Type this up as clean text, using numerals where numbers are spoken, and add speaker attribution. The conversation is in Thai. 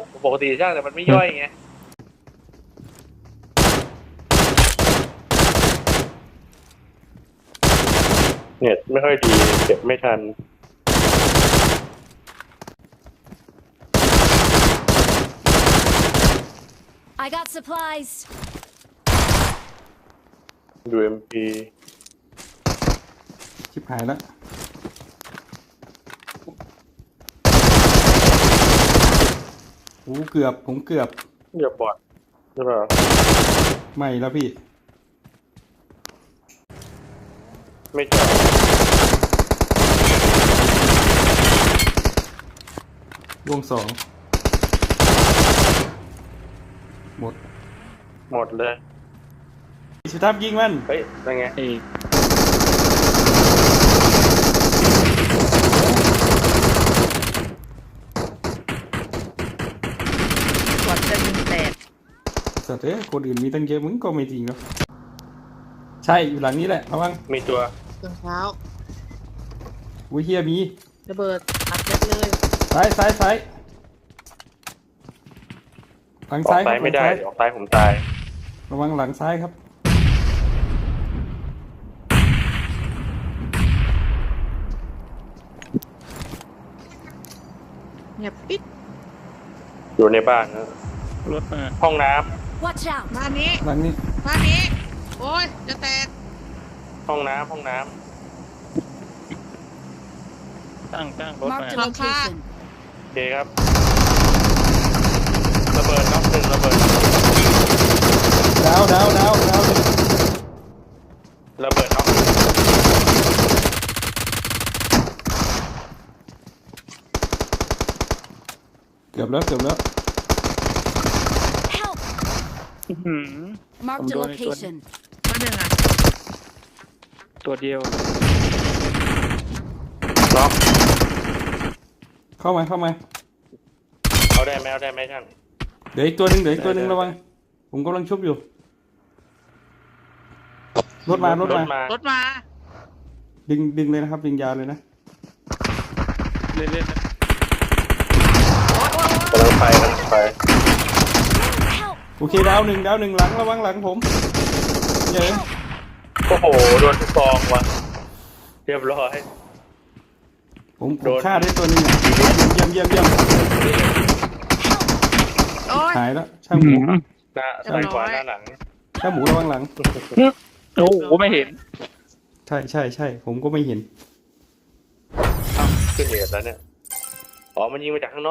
Speaker 1: ปกติช่างแต่มันไม่ย่อยไงเน็ตไม่ค่อยดีเก็บไม่ทัน
Speaker 2: I got supplies.
Speaker 1: ดู MP
Speaker 3: ชิบหายแล้วโอ้เกือบผมเกือบ
Speaker 1: อย่าบอดใช่ป่ะ
Speaker 3: ไม่แล้วพี่
Speaker 1: ไม่จอด
Speaker 3: วงสองหมด
Speaker 1: หมดเลย
Speaker 3: สุทับยิงมัน
Speaker 1: เฮ้ยยังไง
Speaker 4: กดจะยิงแตก
Speaker 3: สัตว์เอ้ยคนอื่นมีตั้งเยอะมึงก็ไม่จริงหรอกใช่อยู่หลังนี้แหละระวัง
Speaker 1: มีตัว
Speaker 4: ตอนเช้า
Speaker 3: อุ้ยเฮียมี
Speaker 4: ระเบิดอัดยัดเลย
Speaker 3: ซ้ายซ้ายซ้ายหลัง
Speaker 1: ออก
Speaker 3: ซ้ายค
Speaker 1: ซ้า
Speaker 3: รั
Speaker 1: ย
Speaker 3: บ
Speaker 1: ไม่ได้
Speaker 3: หลังซ้าย
Speaker 1: ออกซ้ายผมตาย
Speaker 3: ระวังหลังซ้ายครับ
Speaker 4: เงียบปิด
Speaker 1: อยู่ในบ้านนะ
Speaker 5: รถมา
Speaker 1: ห้องน้
Speaker 2: Watch out.
Speaker 4: บ้านนี้
Speaker 3: หลังนี้
Speaker 4: บ้านนี้ โอ้ย จะแตก
Speaker 1: ำห้องน้ำห้องน้
Speaker 5: ตั้งรถมา
Speaker 2: Marked a location.
Speaker 1: ำโอเคครับระเบิดน็อกหนึ่งระเบิด
Speaker 3: ดาวดาวดาวดาว
Speaker 1: ระเบิดน็อก
Speaker 3: เกือบแล้วเกือบแล้ว
Speaker 2: Help.
Speaker 5: หืม
Speaker 2: Marked a
Speaker 5: I'm going to
Speaker 2: location.
Speaker 4: บ้านหนึ่งอ่ะ
Speaker 5: ตัวเดียว
Speaker 1: น็อก
Speaker 3: เข้ามาเข้ามา
Speaker 1: เอาได้ไหมเอาได้ไหมช่าง
Speaker 3: เดี๋ยวอีกตัวหนึ่งเดี๋ยวอีกตัวหนึ่งระวังผมกำลังชุบอยู่รถมารถ
Speaker 1: ร
Speaker 3: มา
Speaker 1: ถมาร
Speaker 4: ถมา
Speaker 3: ดึงเลยนะครับดึงยาวเลยนะ
Speaker 5: เล่นๆนะ
Speaker 1: กำลังไปกำลังไป
Speaker 2: Help.
Speaker 3: โอเคดาวหนึ่งหลังระวังหลังผมเย้ย
Speaker 1: โอ้โหโดนทุกกองว่ะเรียบร้อย
Speaker 3: ผม
Speaker 1: โดน
Speaker 3: ฆ่าได้ตัวหนึงอะเยี่ยมเยี่ยมเยี่ยม
Speaker 4: โอ้ย
Speaker 3: หายแล้วช่างหมู
Speaker 1: หน้าซ้ายขวาหน้าหลัง
Speaker 3: ช่างหมูระวังหลัง
Speaker 5: โอ้โหไม่เห็น
Speaker 3: ใช่ใช่ใช่ผมก็ไม่เห็น
Speaker 1: อ้าวขึ้นเหตุแล้วเนี่ยอ๋อมันยิงมาจากข้างนอก